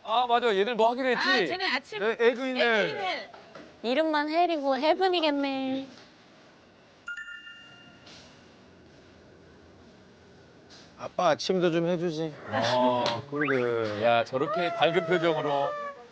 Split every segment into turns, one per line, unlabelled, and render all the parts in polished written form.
아 맞아 얘들 뭐 하기로 했지?
아, 쟤네 아침
에그인들.
이름만 헬이고 헤븐이겠네.
아빠 아침도 좀 해주지.
그러게. 야 저렇게 밝은 표정으로.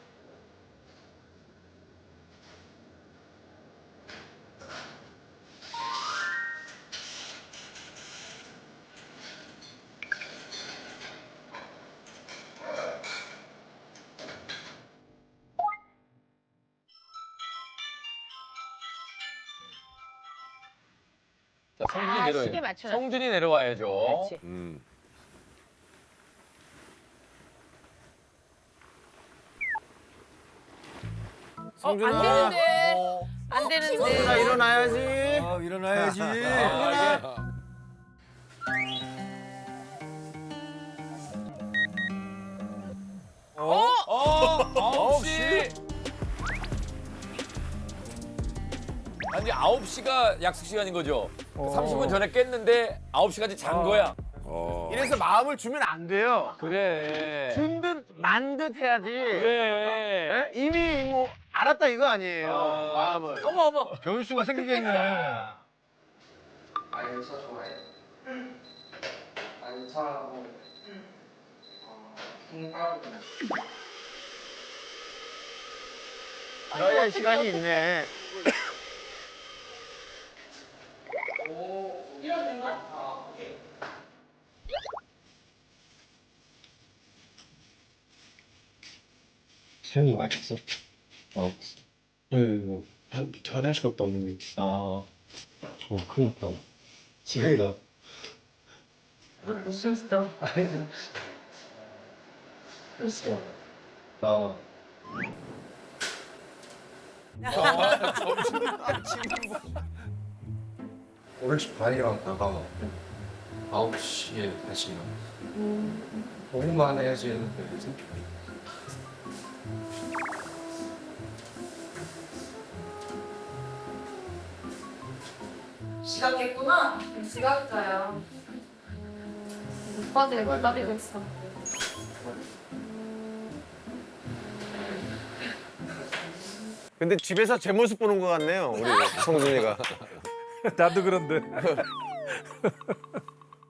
자, 성준이
아,
내려와야죠.
시계 맞춰.
성준이 내려와야죠.
그렇지. 안 되는데. 안 되는데.
나 일어나야지.
일어나야지.
아홉 시. 아니 9시가 약속 시간인 거죠? 30분 전에 깼는데 9시까지 잔 거야.
이래서 마음을 주면 안 돼요.
그래.
준 듯 만 듯 해야지.
그래.
예? 이미 뭐 알았다 이거 아니에요. 마음을.
어머.
변수가 생기겠네.
안에서 좋아해. 안에서 콩가루.
그래야 시간이 있네.
수영이 맞췄어? 전할 수가 없는 게. 그니까. 지혜가. 무슨 스타? 무슨 나. 오늘 반이랑 나가 9시에 다시 나. 오후만 해야지 했는데.
지각했구나. 지각자야. 오빠들 기다리고 있어.
근데 집에서 제 모습 보는 것 같네요. 우리 성준이가.
나도 그런데.